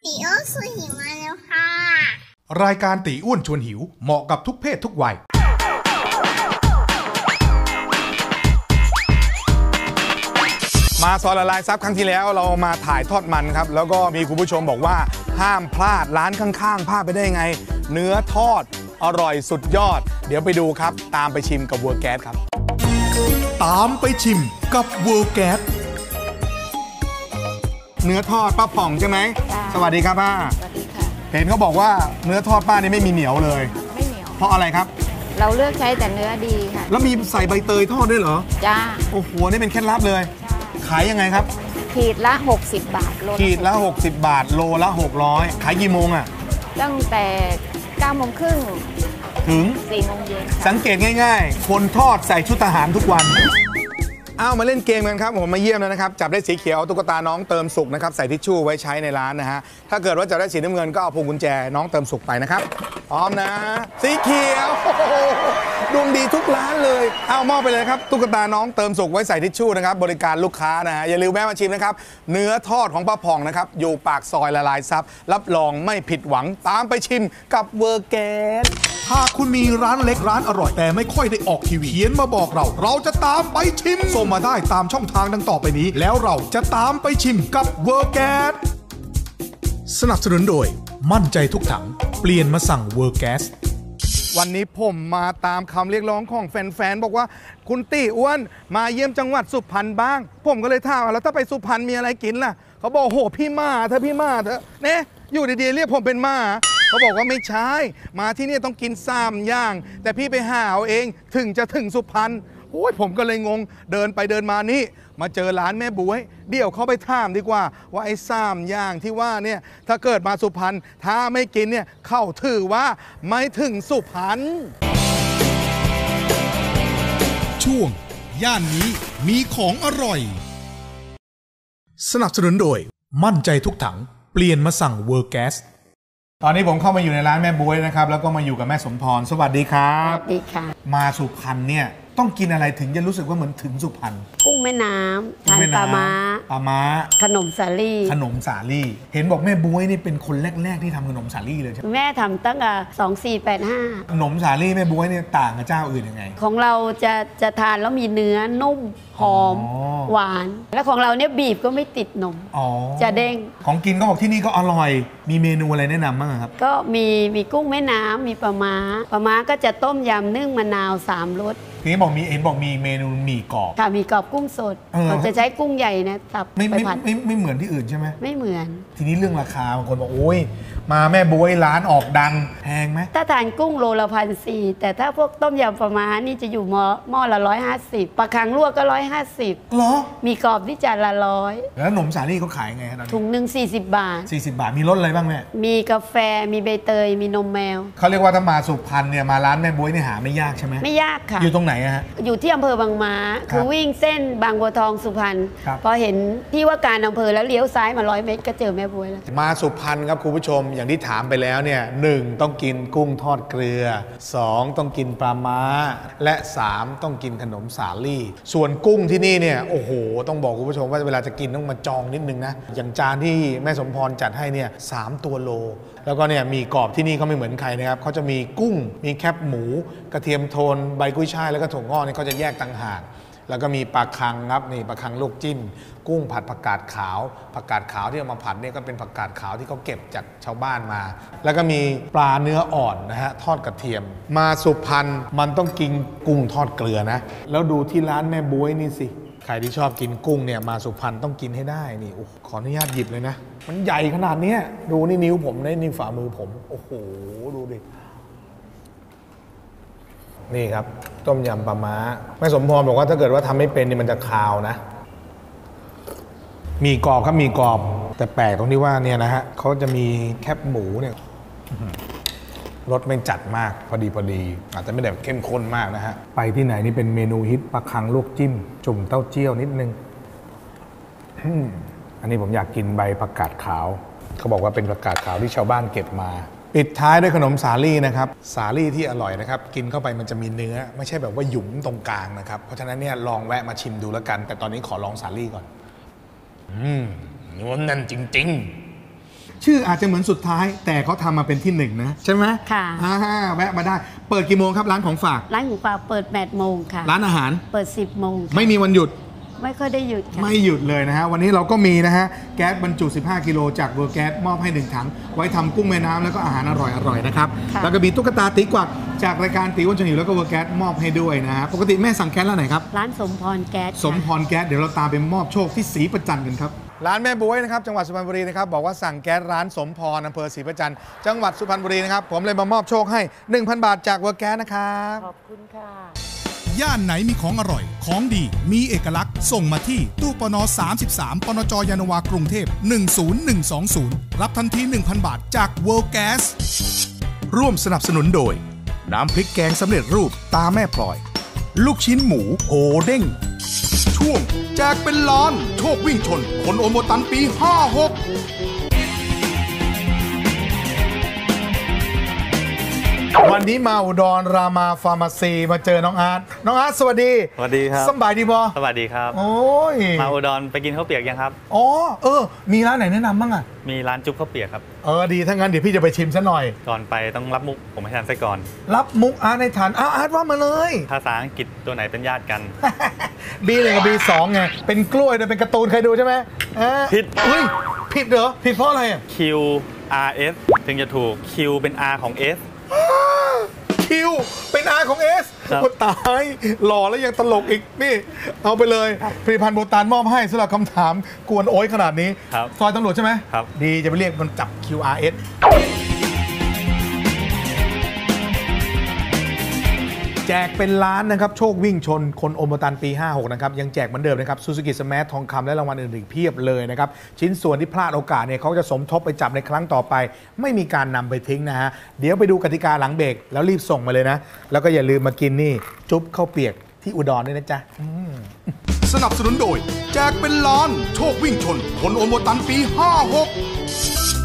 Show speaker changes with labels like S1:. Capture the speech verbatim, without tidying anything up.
S1: ตีอ้วนชวนหิวมาแล้วค่ะ
S2: รายการตีอ้วนชวนหิวเหมาะกับทุกเพศทุกวัยมาซอยละลายซับครั้งที่แล้วเรามาถ่ายทอดมันครับแล้วก็มีคุณผู้ชมบอกว่าห้ามพลาดร้านข้างๆพลาดไปได้ไงเนื้อทอดอร่อยสุดยอดเดี๋ยวไปดูครับตามไปชิมกับเวอร์แก๊สครับตามไปชิมกับเวอร์แก๊สเนื้อทอดป้าป่องใช่ไหมสวัสดีครับป้า
S3: สวัสดีค่ะ
S2: เห็นเขาบอกว่าเนื้อทอดป้านี่ไม่มีเหนียวเลย
S3: ไม่เหนียว
S2: เพราะอะไรครับ
S3: เราเลือกใช้แต่เนื้อดีค่ะ
S2: แล้วมีใส่ใบเตยทอดด้วยเหรอ
S3: จ้า
S2: โอ้โหนี่เป็นเคล็ดลับเลยขายยังไงครับ
S3: ขีดละหกสิบบาทโล
S2: ขีดละหกสิบบาทโลละหกร้อยขายกี่โมงอ่ะ
S3: ตั้งแต่เก้าโมงครึ่ง
S2: ถึง
S3: สี่โมงเย็น
S2: สังเกตง่ายๆคนทอดใส่ชุดทหารทุกวันเอามาเล่นเกมกันครับผมมาเยี่ยมแล้วนะครับจับได้สีเขียวตุ๊กตาน้องเติมสุกนะครับใส่ทิชชู่ไว้ใช้ในร้านนะฮะถ้าเกิดว่าจับได้สีน้ำเงินก็เอาพวงกุญแจน้องเติมสุกไปนะครับพร้อมนะสีเขียวดวงดีทุกร้านเลยเอามอบไปเลยครับตุ๊กตาน้องเติมสุกไว้ใส่ทิชชู่นะครับบริการลูกค้านะฮะอย่าลืมแวะมาชิมนะครับเนื้อทอดของป้าผ่องนะครับอยู่ปากซอยละลายซับรับรองไม่ผิดหวังตามไปชิมกับเวอร์แก๊สหากคุณมีร้านเล็กร้านอร่อยแต่ไม่ค่อยได้ออกทีวีเขียนมาบอกเราเราจะตามไปชิมส่งมาได้ตามช่องทางดังต่อไปนี้แล้วเราจะตามไปชิมกับเวอร์แก๊สสนับสนุนโดยมั่นใจทุกถังเปลี่ยนมาสั่งเวอร์แก๊สวันนี้ผมมาตามคำเรียกร้องของแฟนๆบอกว่าคุณตี้อ้วนมาเยี่ยมจังหวัดสุพรรณบ้างผมก็เลยถามแล้วถ้าไปสุพรรณมีอะไรกินล่ะเขาบอกโหพี่มาเธอพี่มาเธอเนี่ยอยู่ดีๆเรียกผมเป็นมาเขาบอกว่าไม่ใช่มาที่นี่ต้องกินสามอย่างแต่พี่ไปหาเอาเองถึงจะถึงสุพรรณโอ้ยผมก็เลยงงเดินไปเดินมานี่มาเจอร้านแม่บ๊วยเดี๋ยวเขาไปถามดีกว่าว่าไอ้สามอย่างที่ว่าเนี่ยถ้าเกิดมาสุพรรณถ้าไม่กินเนี่ยเข้าถือว่าไม่ถึงสุพรรณช่วงย่านนี้มีของอร่อยสนับสนุนโดยมั่นใจทุกถังเปลี่ยนมาสั่งเวอร์แก๊สตอนนี้ผมเข้ามาอยู่ในร้านแม่บ๊วยนะครับแล้วก็มาอยู่กับแม่สมพรสวัสดีครับ
S3: สวัสดีค่ะ
S2: มาสุพรรณเนี่ยต้องกินอะไรถึงจะรู้สึกว่าเหมือนถึงสุพรรณ
S3: กุ้งแม่น้ำทานปลาม้า
S2: ปลาม้า
S3: ขนมสาลี่
S2: ขนมสาลี่เห็นบอกแม่บ๊วยนี่เป็นคนแรกๆที่ทำขนมสาลี่เลยใช่ไหม
S3: แม่ทำตั้งแต่สองสี่แปดห้า
S2: ขนมสาลี่แม่บ๊วยเนี่ยต่างกับเจ้าอื่นยังไง
S3: ของเราจะจะทานแล้วมีเนื้อนุ่มหอมหวานแล้วของเราเนี่ยบีบก็ไม่ติดนมจะเด้ง
S2: ของกินก็บอกที่นี่ก็อร่อยมีเมนูอะไรแนะนำบ้างครับ
S3: ก็มีมีกุ้งแม่น้ำมีปลาม้าปลาม้าก็จะต้มยำนึ่งมะนาวสามรส
S2: ทีนี้บอกมีเอ็นบอกมีเมนูหมี่กรอบ
S3: ค่ะมีกรอบกุ้งสดเราจะใช้กุ้งใหญ่นะตับ
S2: ไปผัดไม่ไม่เหมือนที่อื่นใช่ไหม
S3: ไม่เหมือน
S2: ทีนี้เรื่องราคาบางคนบอกโอ้ยมาแม่บ๊วยร้านออกดังแพงไหม
S3: ถ้าทานกุ้งโลละพันสี่แต่ถ้าพวกต้มยำปลาม้านี่จะอยู่หม้อหม้อละร้อยห้าสิบปลาคังลวกก็ร้อยห้าสิบ
S2: เหรอ
S3: มีกรอบที่จานละร้อย
S2: แล้วขนมสาลี่เขาขายไงครับ
S3: ถุงหนึ่งสี่สิบบาท
S2: สี่สิบบาทมีรสอะไรบ้างแม่
S3: มีกาแฟมีใบเตยมีนมแมว
S2: เขาเรียกว่าถ้ามาสุพรรณเนี่ยมาร้านแม่บ๊วยนี่หาไม่ยากใช่ไหม
S3: ไม่ยากค่ะ
S2: อยู่ตรงไหนฮะ
S3: อยู่ที่อำเภอบางม้าคือวิ่งเส้นบางบัวทองสุพรรณพอเห็นที่ว่าการอำเภอแล้วเลี้ยวซ้ายมาร้อยเมตรก็เจอแม่บ๊วยแล้ว
S2: มาสุพรรณครับคุณผู้ชมอย่างที่ถามไปแล้วเนี่ยหนึ่งต้องกินกุ้งทอดเกลือสองต้องกินปลาม้าและสามต้องกินขนมสาลี่ส่วนกุ้งที่นี่เนี่ยโอ้โหต้องบอกคุณผู้ชมว่าเวลาจะกินต้องมาจองนิดนึงนะอย่างจานที่แม่สมพรจัดให้เนี่ยสามตัวโลแล้วก็เนี่ยมีกรอบที่นี่เขาไม่เหมือนใครนะครับเขาจะมีกุ้งมีแคบหมูกระเทียมโทนใบกุ้ยช่ายแล้วก็ถั่วงอกนี่เขาจะแยกต่างหากแล้วก็มีปลาคังครับนี่ปลาคังลวกจิ้มกุ้งผัดผักกาดขาวผักกาดขาวที่เอามาผัดเนี่ยก็เป็นผักกาดขาวที่เขาเก็บจากชาวบ้านมาแล้วก็มีปลาเนื้ออ่อนนะฮะทอดกระเทียมมาสุพรรณมันต้องกินกุ้งทอดเกลือนะแล้วดูที่ร้านแม่บ๊วยนี่สิใครที่ชอบกินกุ้งเนี่ยมาสุพรรณต้องกินให้ได้นี่โอ้ขออนุญาตหยิบเลยนะมันใหญ่ขนาดนี้ดูนี่นิ้วผมได้นี่ฝ่ามือผมโอ้โหดูดินี่ครับต้มยำปลาม้าแม่สมพรบอกว่าถ้าเกิดว่าทำไม่เป็นนี่มันจะคาวนะมีกรอบครับมีกรอบแต่แปลกตรงที่ว่าเนี่ยนะฮะเขาจะมีแคบหมูเนี่ยรสไม่จัดมากพอดีพอดีอาจจะไม่ได้เข้มข้นมากนะฮะไปที่ไหนนี่เป็นเมนูฮิตปลาคังลวกจิ้มจุ่มเต้าเจี้ยวนิดนึงอันนี้ผมอยากกินใบผักกาดขาวเขาบอกว่าเป็นผักกาดขาวที่ชาวบ้านเก็บมาปิดท้ายด้วยขนมสาลี่นะครับสาลี่ที่อร่อยนะครับกินเข้าไปมันจะมีเนื้อไม่ใช่แบบว่าหยุมตรงกลางนะครับเพราะฉะนั้นเนี่ยลองแวะมาชิมดูแล้วกันแต่ตอนนี้ขอลองสาลี่ก่อนอืมนวลนั่นจริงๆชื่ออาจจะเหมือนสุดท้ายแต่เขาทำมาเป็นที่หนึ่งนะใช่ไหม
S3: ค่ะ
S2: อ่าแวะมาได้เปิดกี่โมงครับร้านของฝาก
S3: ร้านของฝากเปิดแปดโมงค่ะ
S2: ร้านอาหาร
S3: เปิดสิบโมงค่ะ
S2: ไม่มีวันหยุด
S3: ไม่ค่อยได้หยุดค่ะ
S2: ไม่หยุดเลยนะฮะวันนี้เราก็มีนะฮะแก๊สบรรจุสิบห้ากิโลจากเวอร์แก๊สมอบให้หนึ่งถังไว้ทำกุ้งแม่น้ำแล้วก็อาหารอร่อยๆนะครับ
S3: ค่ะ
S2: แล้วก็มีตุ๊กตาตีกวักจากรายการตีอ้วนชวนหิวแล้วก็เวอร์แก๊สมอบให้ด้วยนะฮะปกติแม่สั่งแก๊สร้านไหนครับ
S3: ร้านสมพรแก๊สค่ะ
S2: สมพรแก๊สเดี๋ยวเราตามไปมอบโชคที่ศรีประจันทร์กันครับร้านแม่บ๊วยนะครับจังหวัดสุพรรณบุรีนะครับบอกว่าสั่งแก๊สร้านสมพรอำเภอศรีประจันทร์จังหวัดสุพรรณบุรีนะครับผมเลยมามอบโชคให้ หนึ่งพัน บาทจากเวอร์แก๊สนะครับ
S3: ขอบคุณค่ะ
S4: ย่านไหนมีของอร่อย ของดี มีเอกลักษณ์ ส่งมาที่ตู้ปนสามสิบสามปนจยานนาวากรุงเทพหนึ่งศูนย์หนึ่งสองศูนย์รับทันที หนึ่งพัน บาทจาก World Gas ร่วมสนับสนุนโดย น้ำพริกแกงสำเร็จรูปตาแม่พลอย ลูกชิ้นหมูโหเด้ง ช่วงแจกเป็นล้าน โชควิ่งชน คนโอโมตันปีห้าหก
S2: วันนี้มาอุดรรามาฟาร์มาซีมาเจอน้องอาร์ตน้องอาร์ตสวัสดี
S5: สวัสดีครับ
S2: สบายดีบอ
S5: สวัสดีครับ
S2: โอ้ย
S5: มาอุดรไปกินข้าวเปียกยังครับ
S2: อ๋อเออมีร้านไหนแนะนำบ้างอ่ะ
S5: มีร้านจุ๊บข้าวเปียกครับ
S2: เออดีถ้างั้นเดี๋ยวพี่จะไปชิมซะหน่อย
S5: ก่อนไปต้องรับมุกผมให้ทานไส้ก่อน
S2: รับมุกอาร์ตในฐานอ้าวอาร์ตว่ามาเลย
S5: ภาษาอังกฤษตัวไหนเป็นญาติกัน
S2: บีหนึ่งกับบีสองไงเป็นกล้วยด้วยเป็นการ์ตูนเคยดูใช่ไหมเออ
S5: ผิด
S2: อุ้ยผิดเหรอผิดเพราะอะไรอ่ะ
S5: Q R S ถึงจะถูก Q เป็น R ของ S
S2: คิวเป็นอาของเอส
S5: ครับ
S2: โอ้ตายหล่อแล้วยังตลกอีกนี่ เอาไปเลยผลิตภัณฑ์โบตานมอบให้สำหรับคำถามกวนโอ้ยขนาดนี้
S5: ครับ
S2: ซอยตำรวจใช่ไหม
S5: ครับ
S2: ดีจะไปเรียกมันจับ คิว อาร์ เอส แจกเป็นล้านนะครับโชควิ่งชนคนโอมตันปีห้าหกนะครับยังแจกเหมือนเดิมนะครับซูซูกิสมาร์ททองคำและรางวัลอื่นๆเพียบเลยนะครับชิ้นส่วนที่พลาดโอกาสเนี่ยเขาจะสมทบไปจับในครั้งต่อไป ไม่มีการนำไปทิ้งนะฮะเดี๋ยวไปดูกติกาหลังเบรกแล้วรีบส่งมาเลยนะ แล้วก็อย่าลืมมากินนี่จุ๊บข้าวเปียกที่อุดรด้วยนะจ๊ะ
S4: สนับสนุนโดย แจกเป็นล้าน โชควิ่งชน คนโอโมตันปีห้าหก